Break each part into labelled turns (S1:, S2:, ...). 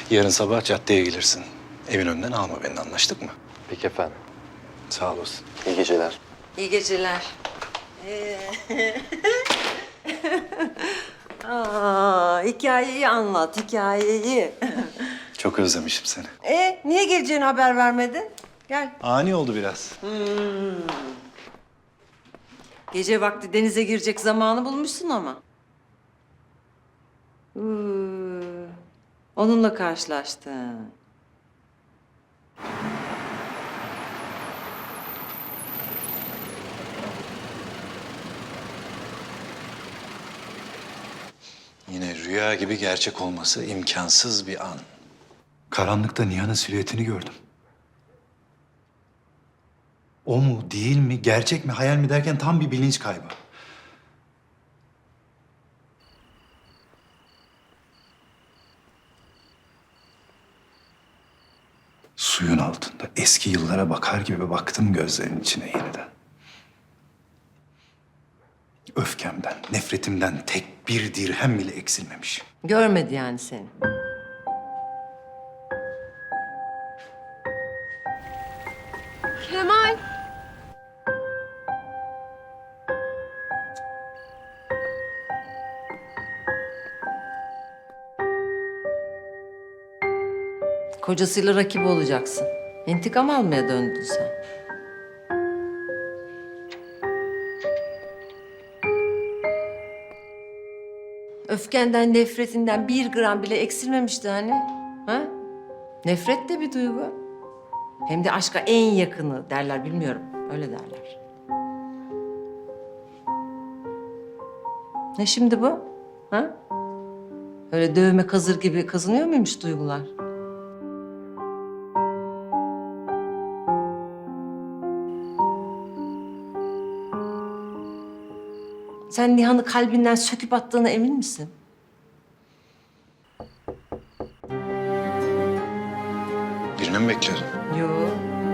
S1: Yarın sabah caddeye gelirsin. Evin önünden alma beni, anlaştık mı?
S2: Peki efendim.
S1: Sağ olasın.
S2: İyi geceler.
S3: İyi geceler. Hikayeyi anlat, hikayeyi.
S1: Çok özlemişim seni.
S3: Niye geleceğini haber vermedin? Gel.
S1: Ani oldu biraz.
S3: Gece vakti denize girecek zamanı bulmuşsun ama. Onunla karşılaştın.
S1: Yine rüya gibi gerçek olması imkansız bir an. Karanlıkta Nihan'ın silüetini gördüm. O mu, değil mi, gerçek mi, hayal mi derken tam bir bilinç kaybı. Suyun altında eski yıllara bakar gibi baktım gözlerinin içine yeniden. Öfkemden, nefretimden tek bir dirhem bile eksilmemiş.
S3: Görmedi yani seni.
S4: Kemal.
S3: Kocasıyla rakip olacaksın. İntikam almaya döndün sen. Öfkenden, nefretinden 1 gram bile eksilmemişti hani. Ha? Nefret de bir duygu. Hem de aşka en yakını derler, bilmiyorum. Öyle derler. Ne şimdi bu? Ha? Öyle dövme kazır gibi kazınıyor muymuş duygular? Sen Nihan'ı kalbinden söküp attığına emin misin?
S1: Birini mi bekledin?
S3: Yok.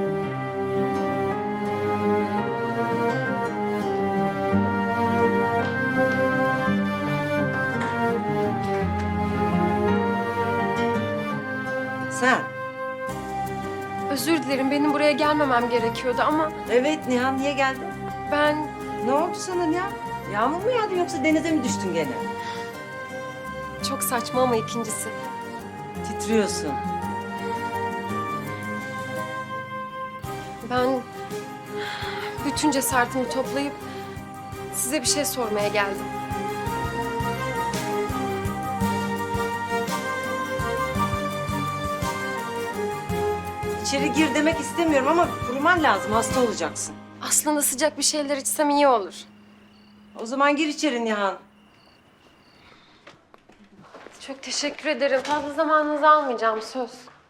S3: Sen?
S4: Özür dilerim, benim buraya gelmemem gerekiyordu ama
S3: Evet Nihan, niye geldin?
S4: ben
S3: Ne oldu sana Nihan? Yağmur mu yağdı yoksa denize mi düştün gene?
S4: çok saçma ama ikincisi.
S3: Titriyorsun.
S4: Ben bütün cesaretimi toplayıp size bir şey sormaya geldim.
S3: İçeri gir demek istemiyorum ama kuruman lazım, hasta olacaksın.
S4: Aslında sıcak bir şeyler içsem iyi olur.
S3: O zaman gir içeri Nihan.
S4: Çok teşekkür ederim. Fazla zamanınızı almayacağım, söz.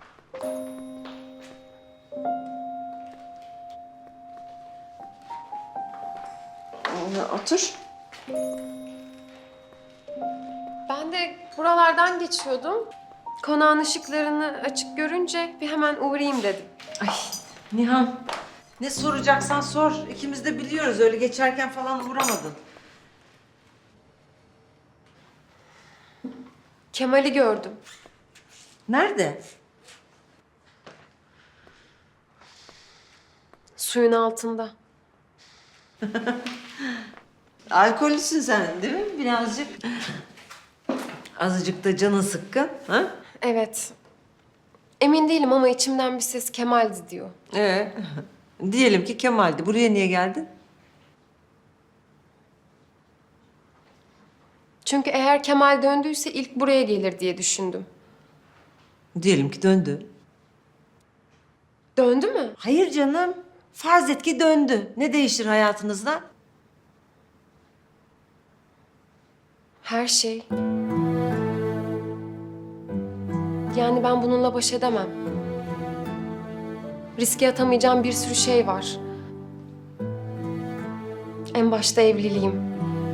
S3: Otur.
S4: Ben de buralardan geçiyordum. Konağın ışıklarını açık görünce bir hemen uğrayayım dedim.
S3: Ay Nihan, ne soracaksan sor. İkimiz de biliyoruz, öyle geçerken falan uğramadın.
S4: Kemal'i gördüm.
S3: Nerede?
S4: Suyun altında.
S3: Alkollüsün sen değil mi birazcık? Azıcık da canın sıkkın, ha?
S4: Evet. Emin değilim ama içimden bir ses Kemal'di diyor.
S3: Diyelim ki Kemal'di. Buraya niye geldin?
S4: Çünkü eğer Kemal döndüyse ilk buraya gelir diye düşündüm.
S3: Diyelim ki döndü.
S4: Döndü mü?
S3: Hayır canım. Farz et ki döndü. Ne değişir hayatınızda?
S4: Her şey. Yani ben bununla baş edemem. Riske atamayacağım bir sürü şey var. En başta evliliğim.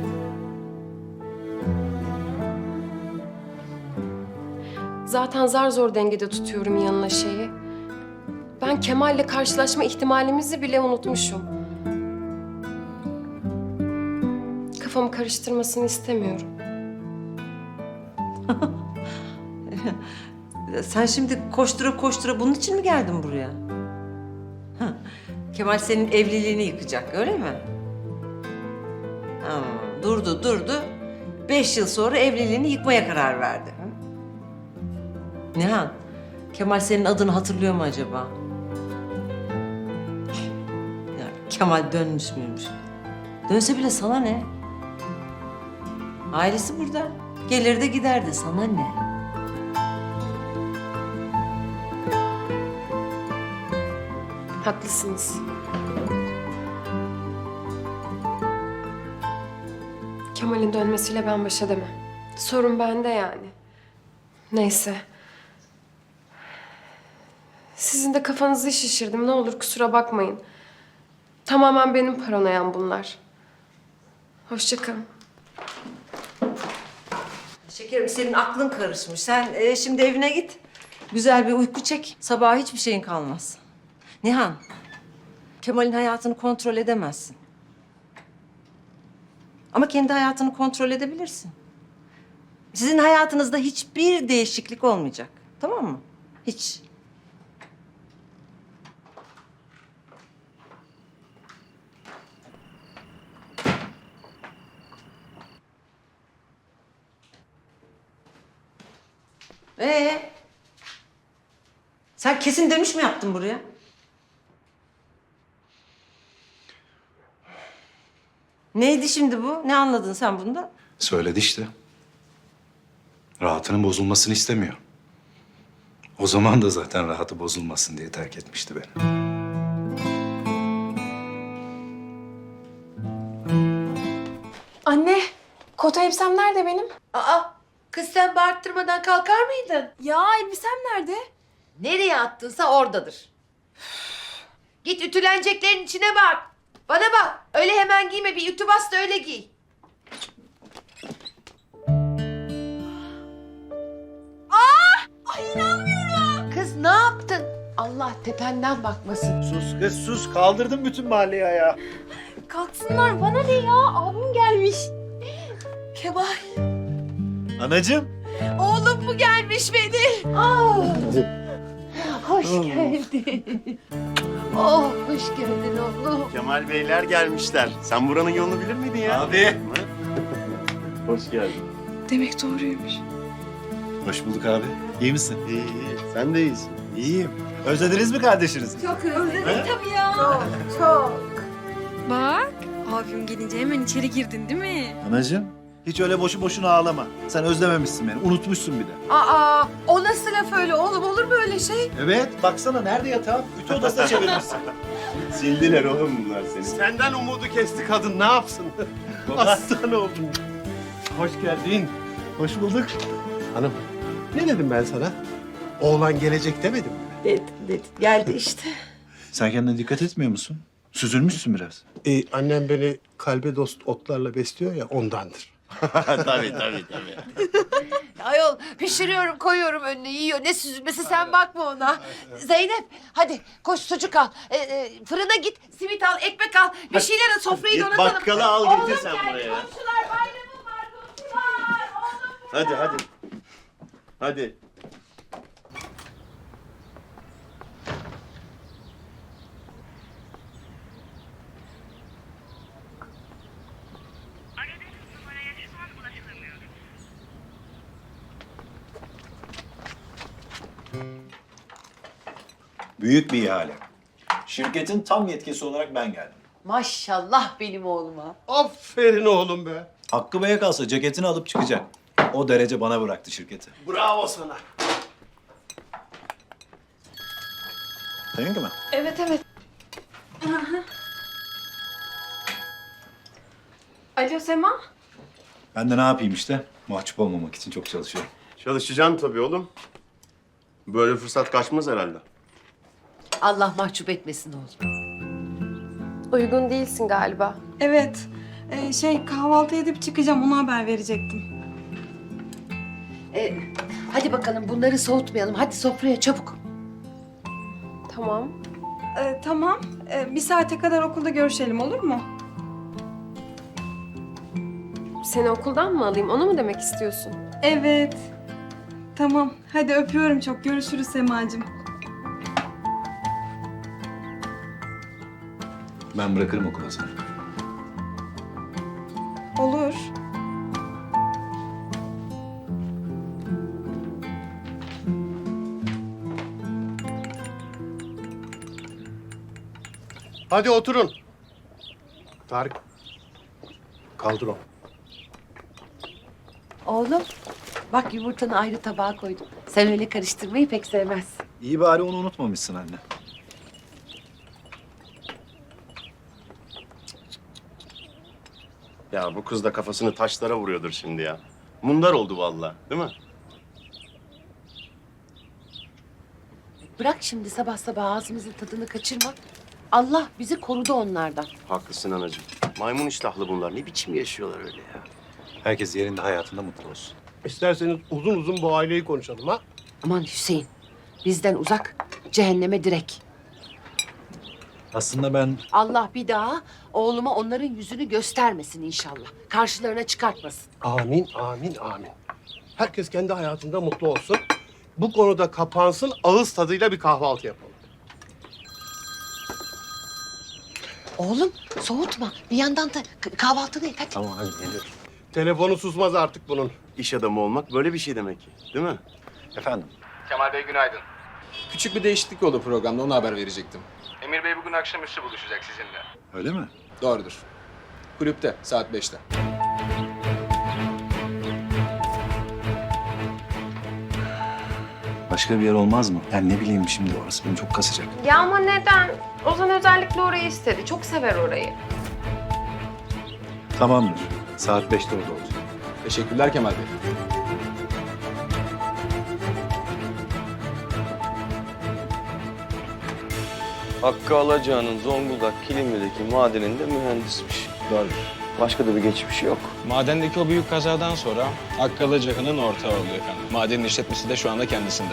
S4: Zaten zar zor dengede tutuyorum yanına şeyi. Ben Kemal'le karşılaşma ihtimalimizi bile unutmuşum. Kafamı karıştırmasını istemiyorum.
S3: Sen şimdi koştura koştura bunun için mi geldin buraya? Hah, Kemal senin evliliğini yıkacak, öyle mi? Ha, durdu. 5 yıl sonra evliliğini yıkmaya karar verdi. Hı? Nihan, Kemal senin adını hatırlıyor mu acaba? Ya, Kemal dönmüş müymüş? Dönse bile sana ne? Ailesi burada. Gelir de giderdi, sana ne?
S4: Haklısınız. Kemal'in dönmesiyle ben baş edemem. Sorun bende yani. Neyse. Sizin de kafanızı şişirdim. Ne olur kusura bakmayın. Tamamen benim paranoyam bunlar. Hoşça kalın.
S3: Şekerim senin aklın karışmış. Sen şimdi evine git. Güzel bir uyku çek. Sabaha hiçbir şeyin kalmaz. Nihan, Kemal'in hayatını kontrol edemezsin. Ama kendi hayatını kontrol edebilirsin. Sizin hayatınızda hiçbir değişiklik olmayacak. Tamam mı? Hiç. Sen kesin dönüş mü yaptın buraya? Neydi şimdi bu? Ne anladın sen bundan?
S1: Söyledi işte. Rahatının bozulmasını istemiyor. O zaman da zaten rahatı bozulmasın diye terk etmişti beni.
S2: Anne, kot elbisem nerede benim?
S3: Aa, kız sen bağırttırmadan kalkar mıydın?
S2: Ya elbisem nerede?
S3: Nereye attınsa oradadır. Git ütüleneceklerin içine bak. Bana bak, öyle hemen giyme. Bir ütü bas da öyle giy.
S2: Ay inanmıyorum.
S3: Kız ne yaptın? Allah tependen bakmasın.
S5: Sus kız sus. Kaldırdın bütün mahalleyi ayağa.
S2: Kalksınlar bana ne ya? Abim gelmiş. Kemal,
S5: Anacığım.
S2: oğlum mu gelmiş benim?
S3: Hoş geldin. Oh, hoş geldin oğlum.
S6: Kemal Beyler gelmişler. Sen buranın yolunu bilir miydin ya?
S5: Abi.
S6: Hoş geldin.
S2: Demek doğruymuş.
S5: Hoş bulduk abi. İyi misin?
S6: İyi, iyi. Sen de iyisin.
S5: İyiyim. Özlediniz mi kardeşinizi?
S2: Çok özledim
S5: He?
S2: tabii ya.
S3: Çok.
S2: Bak, abim gelince hemen içeri girdin değil mi?
S5: Anacığım. Hiç öyle boşu boşuna ağlama. Sen özlememişsin beni. Unutmuşsun bir de.
S3: Aa, o nasıl laf öyle oğlum? Olur mu öyle şey?
S5: Evet. Baksana nerede yatağım? Ütü odasına çevirmişsin.
S6: Sildiler oğlum bunlar seni. Senden umudu kesti kadın. Ne yapsın? Aslan oldun. Hoş geldin.
S5: Hoş bulduk.
S6: Hanım, ne dedim ben sana? Oğlan gelecek demedim mi?
S3: Dedim. Geldi işte.
S5: Sen kendine dikkat etmiyor musun? Süzülmüşsün biraz.
S6: Annem beni kalbe dost otlarla besliyor ya ondandır. tabii.
S7: Ayol pişiriyorum koyuyorum önüne yiyor. Ne süzülmesi sen bakma ona. Zeynep hadi koş sucuk al. Fırına git simit al ekmek al. Bir şeyler al sofrayı
S6: Git
S7: donatalım.
S6: bakkala al
S7: Oğlum
S6: getir sen
S7: gel,
S6: buraya.
S7: Komşular bayramım var komşular. Oğlum.
S6: Hadi. Hadi.
S8: Aradığınız numaraya şu an ulaşılamıyor.
S9: Büyük bir ihale. Şirketin tam yetkisi olarak ben geldim.
S7: Maşallah benim oğluma.
S6: Aferin oğlum be.
S9: Hakkı Bey'e kalsa ceketini alıp çıkacak. O derece bana bıraktı şirketi.
S6: Bravo sana.
S9: Seninki mi?
S4: Evet. Alo Sema.
S1: Ben de ne yapayım işte? Mahcup olmamak için çok çalışıyorum.
S6: Çalışacaksın tabii oğlum. Böyle fırsat kaçmaz herhalde.
S7: Allah mahcup etmesin oğlum.
S4: Uygun değilsin galiba.
S2: Evet. Kahvaltı edip çıkacağım. Ona haber verecektim.
S7: Hadi bakalım bunları soğutmayalım. Hadi sofraya çabuk.
S4: Tamam.
S2: Tamam. Bir saate kadar okulda görüşelim olur mu?
S4: Seni okuldan mı alayım? Onu mu demek istiyorsun?
S2: Evet.
S10: Tamam. Hadi öpüyorum çok. Görüşürüz Semacığım.
S1: Ben bırakırım okula seni.
S10: Olur.
S6: Hadi oturun. Tarık. Kaldır o.
S7: Oğlum bak yumurtanı ayrı tabağa koydum. Sen öyle karıştırmayı pek sevmezsin.
S1: İyi bari onu unutmamışsın anne.
S6: Ya bu kız da kafasını taşlara vuruyordur şimdi ya. Mundar oldu vallahi, değil mi?
S7: Bırak şimdi sabah sabah ağzımızın tadını kaçırma. Allah bizi korudu onlardan.
S6: Haklısın anacığım. Maymun iştahlı bunlar. Ne biçim yaşıyorlar öyle ya?
S1: Herkes yerinde hayatında mutlu olsun.
S6: İsterseniz uzun uzun bu aileyi konuşalım ha.
S7: Aman Hüseyin bizden uzak cehenneme direk.
S1: Aslında ben
S7: Allah bir daha oğluma onların yüzünü göstermesin inşallah. Karşılarına çıkartmasın.
S6: Amin, amin, amin. Herkes kendi hayatında mutlu olsun. Bu konuda kapansın, ağız tadıyla bir kahvaltı yapalım.
S7: Oğlum soğutma. Bir yandan da kahvaltını et hadi.
S1: tamam hadi geliyorum.
S6: Telefonu susmaz artık bunun. İş adamı olmak böyle bir şey demek ki, değil mi?
S1: Efendim?
S11: Kemal Bey günaydın. Küçük bir değişiklik oldu programda, onu haber verecektim. Emir Bey bugün akşamüstü buluşacak sizinle.
S1: Öyle mi?
S11: Doğrudur. Kulüpte, saat 5'te.
S1: Başka bir yer olmaz mı? Yani ne bileyim şimdi orası beni çok kasacak.
S4: Ya ama neden? Ozan özellikle orayı istedi. Çok sever orayı.
S1: Tamamdır. Saat 5'te orada olacağım.
S11: Teşekkürler Kemal Bey.
S12: Hakkı Alacağı'nın Zonguldak Kilimli'deki madeninde mühendismiş.
S11: Doğru.
S12: Başka da bir geçmişi yok.
S11: Madendeki o büyük kazadan sonra Hakkı Alacağı'nın ortağı oluyor efendim. Madenin işletmesi de şu anda kendisinde.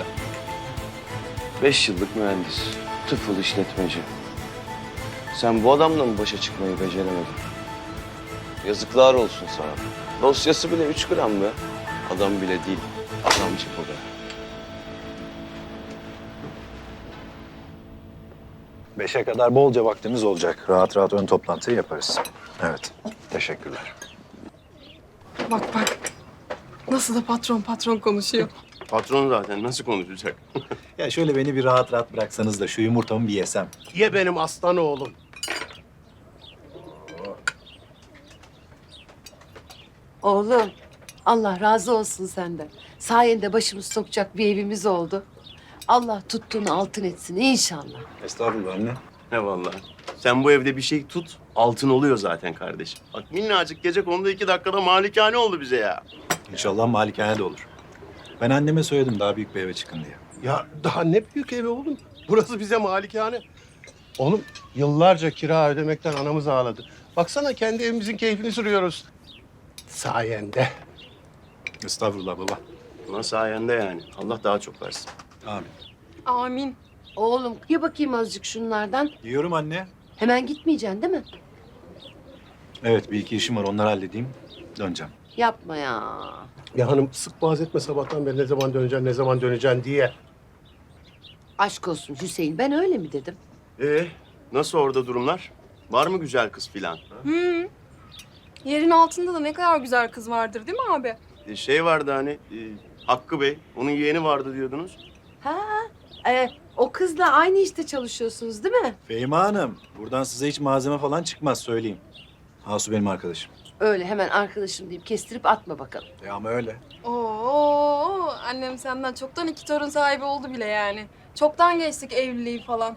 S12: 5 yıllık mühendis, tıfıl işletmeci. Sen bu adamla mı başa çıkmayı beceremedin? Yazıklar olsun sana. Dosyası bile 3 gram be. Adam bile değil, adamcık o be.
S1: 5'e kadar bolca vaktimiz olacak. Rahat rahat ön toplantıyı yaparız. Evet. Teşekkürler.
S4: Bak bak. Nasıl da patron konuşuyor.
S6: Patron zaten nasıl konuşacak?
S1: Ya şöyle beni bir rahat rahat bıraksanız da şu yumurtamı bir yesem.
S6: Ye benim aslan oğlum.
S7: Oğlum Allah razı olsun senden. Sayende başımız sokacak bir evimiz oldu. Allah tuttuğunu altın etsin inşallah.
S1: Estağfurullah anne.
S6: Ne vallahi. Sen bu evde bir şey tut, altın oluyor zaten kardeşim. Bak minnacık gecekondu 2 dakikada malikane oldu bize ya.
S1: İnşallah malikane de olur. Ben anneme söyledim daha büyük bir eve çıkın diye.
S6: Ya daha ne büyük evi oğlum. Burası bize malikane. Oğlum yıllarca kira ödemekten anamız ağladı. Baksana kendi evimizin keyfini sürüyoruz. Sayende.
S1: Estağfurullah baba.
S6: Ulan sayende yani. Allah daha çok versin.
S1: Amin.
S4: Amin.
S7: Oğlum ye bakayım azıcık şunlardan.
S1: Yiyorum anne.
S7: Hemen gitmeyeceksin değil mi?
S1: Evet bir iki işim var onları halledeyim. Döneceğim.
S7: Yapma ya.
S6: Ya hanım sık boğaz etme sabahtan beri ne zaman döneceksin diye.
S7: Aşk olsun Hüseyin ben öyle mi dedim?
S6: Nasıl orada durumlar? Var mı güzel kız filan?
S10: Yerin altında da ne kadar güzel kız vardır değil mi abi?
S6: Şey vardı hani Hakkı Bey, onun yeğeni vardı diyordunuz.
S7: Ha, o kızla aynı işte çalışıyorsunuz değil mi?
S1: Fehime Hanım buradan size hiç malzeme falan çıkmaz söyleyeyim. Hasu benim arkadaşım.
S7: Öyle hemen arkadaşım deyip kestirip atma bakalım.
S1: Ama öyle.
S10: Oo, annem senden çoktan 2 torun sahibi oldu bile yani. Çoktan geçtik evliliği falan.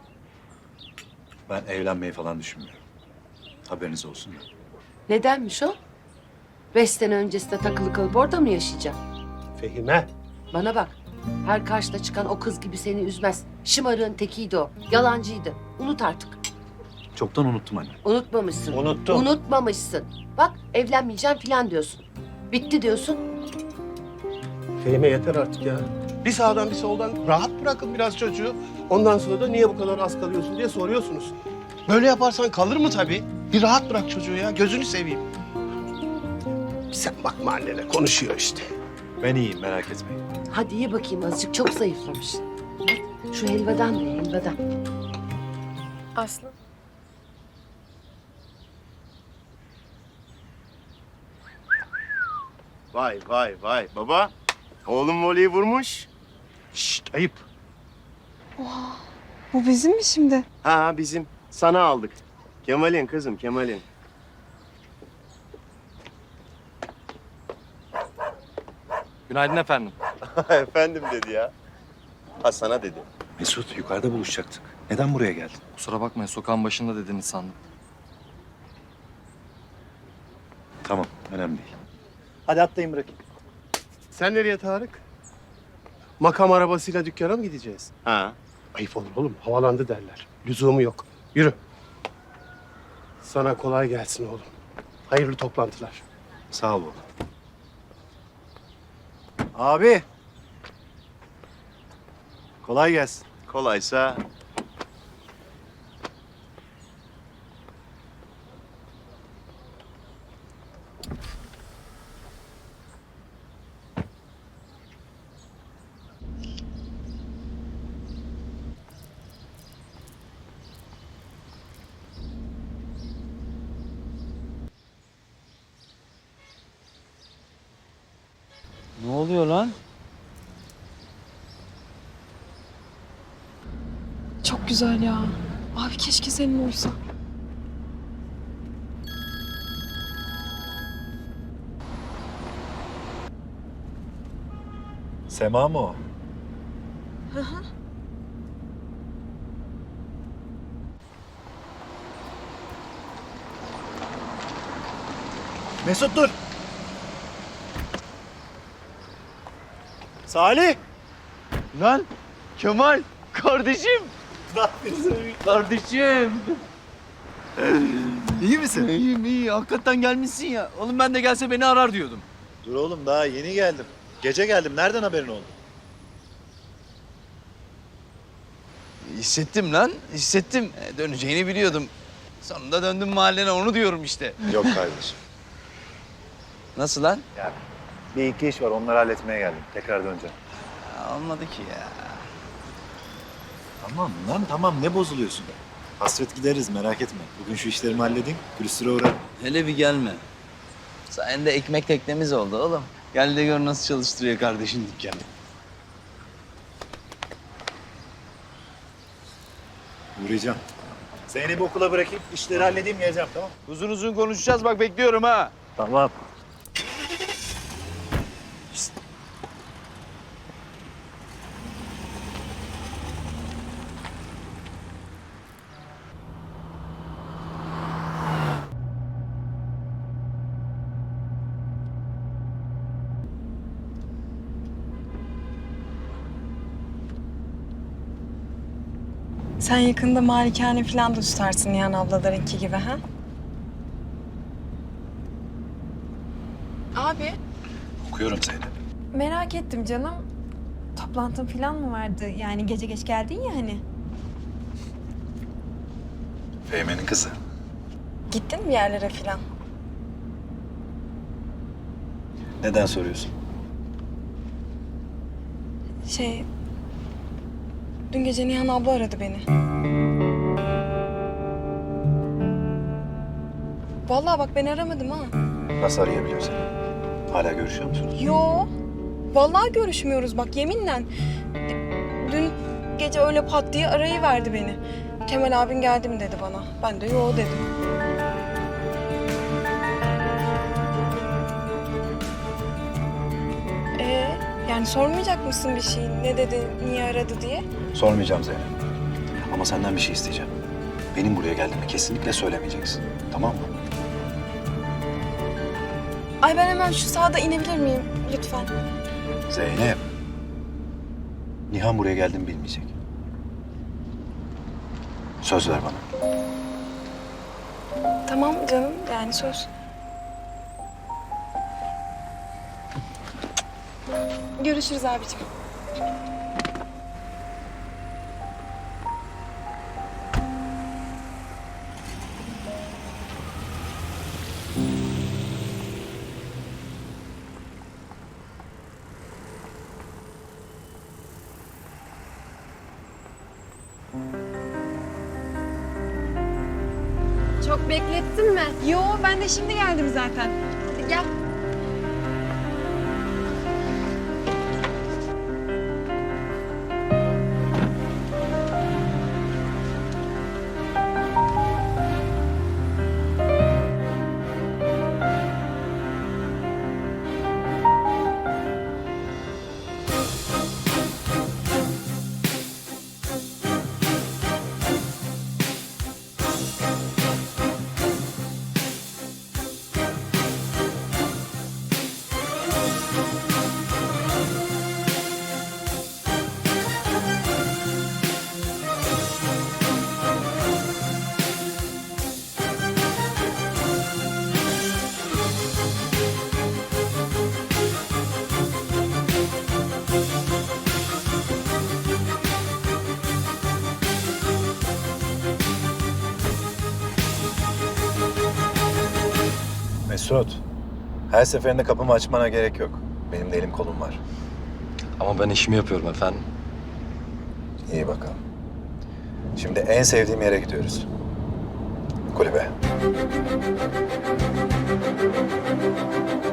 S1: Ben evlenmeyi falan düşünmüyorum. Haberiniz olsun.
S7: Nedenmiş o? 5 sene öncesinde takılı kalıp orada mı yaşayacağım?
S6: Fehime.
S7: Bana bak. Her karşına çıkan o kız gibi seni üzmez. Şımarığın tekiydi o. Yalancıydı. Unut artık.
S1: Çoktan unuttum anne.
S7: Unutmamışsın.
S1: Unuttum.
S7: Unutmamışsın. Bak evlenmeyeceğim falan diyorsun. Bitti diyorsun.
S6: Fehime yeter artık ya. Bir sağdan bir soldan rahat bırakın biraz çocuğu. Ondan sonra da niye bu kadar az kalıyorsun diye soruyorsunuz. Böyle yaparsan kalır mı tabii? Bir rahat bırak çocuğu ya. Gözünü seveyim. Sen bakma annene konuşuyor işte.
S1: Ben iyiyim, merak etmeyin.
S7: Hadi ye bakayım azıcık, çok zayıflamışsın. Bak, şu helvadan ye, helvadan.
S4: Aslı.
S12: Vay vay vay baba. Oğlum voleyi vurmuş.
S6: Şşt ayıp.
S10: Bu bizim mi şimdi?
S12: Ha bizim. Sana aldık. Kemal'in kızım Kemal'in.
S11: Günaydın efendim.
S12: Efendim dedi ya. Ha sana dedi.
S1: Mesut, yukarıda buluşacaktık. Neden buraya geldin?
S11: Kusura bakmayın sokağın başında dediniz sandım.
S1: Tamam, önemli değil.
S5: Hadi atlayın bırakayım.
S6: Sen nereye Tarık? Makam arabasıyla dükkana mı gideceğiz?
S12: Ha.
S6: Ayıp olur oğlum. Havalandı derler. Lüzumu yok. Yürü. Sana kolay gelsin oğlum. Hayırlı toplantılar.
S1: Sağ ol baba.
S5: Abi. Kolay gelsin.
S12: Kolaysa
S9: Ne oluyor lan?
S10: Çok güzel ya. Abi keşke senin olsa.
S1: Sema mı o?
S5: Mesut dur. Salih.
S12: Lan Kemal kardeşim. Kardeşim.
S5: İyi misin?
S12: İyiyim iyi. Hakikaten gelmişsin ya. Oğlum ben de gelse beni arar diyordum.
S5: Dur oğlum daha yeni geldim. Gece geldim. Nereden haberin oldu?
S12: Hissettim lan. Hissettim. Döneceğini biliyordum. Sonunda döndüm mahallene onu diyorum işte.
S1: Yok kardeşim.
S12: Nasıl lan?
S1: Bir iki iş var, onları halletmeye geldim. Tekrar döneceğim.
S12: Olmadı ki ya.
S5: Tamam lan tamam. Ne bozuluyorsun? Hasret gideriz merak etme. Bugün şu işlerimi halledeyim. Külüstüre uğrarım.
S12: Hele bir gelme. Sayende ekmek teknemiz oldu oğlum. Gel de gör nasıl çalıştırıyor kardeşin dükkanı.
S1: Uğrayacağım.
S5: Zeynep'i okula bırakayım. İşleri halledeyim geleceğim tamam.
S12: Uzun uzun konuşacağız bak bekliyorum ha.
S5: Tamam.
S10: Sen yakında malikane falan da tutarsın Nihan ablalarınki gibi ha? Abi.
S1: Okuyorum Zeynep.
S2: Merak ettim canım. Toplantın falan mı vardı? Yani gece geç geldin ya hani.
S1: Fehme'nin kızı.
S10: Gittin mi bir yerlere falan?
S1: Neden soruyorsun?
S10: Dün gece Nihan abla aradı beni. Vallahi bak ben aramadım ha.
S1: Nasıl arayabiliyorsun? Hala görüşüyor musunuz?
S10: Yo. Vallahi görüşmüyoruz bak yeminle. Dün gece öyle pat diye arayıverdi beni. Kemal abin geldi mi dedi bana. Ben de yo dedim. Yani sormayacak mısın bir şey? Ne dedi, niye aradı diye?
S1: Sormayacağım Zeynep. Ama senden bir şey isteyeceğim. Benim buraya geldiğimi kesinlikle söylemeyeceksin. Tamam mı?
S10: Ay ben hemen şu sahada inebilir miyim lütfen?
S1: Zeynep. Nihan buraya geldiğimi bilmeyecek. Söz ver bana.
S10: Tamam canım yani söz. Görüşürüz abicim.
S4: Çok beklettin mi?
S2: Yo ben de şimdi geldim zaten. Hadi gel.
S5: Mesut, her seferinde kapımı açmana gerek yok. Benim de elim kolum var.
S12: Ama ben işimi yapıyorum efendim.
S5: İyi bakalım. Şimdi en sevdiğim yere gidiyoruz. Kulübe.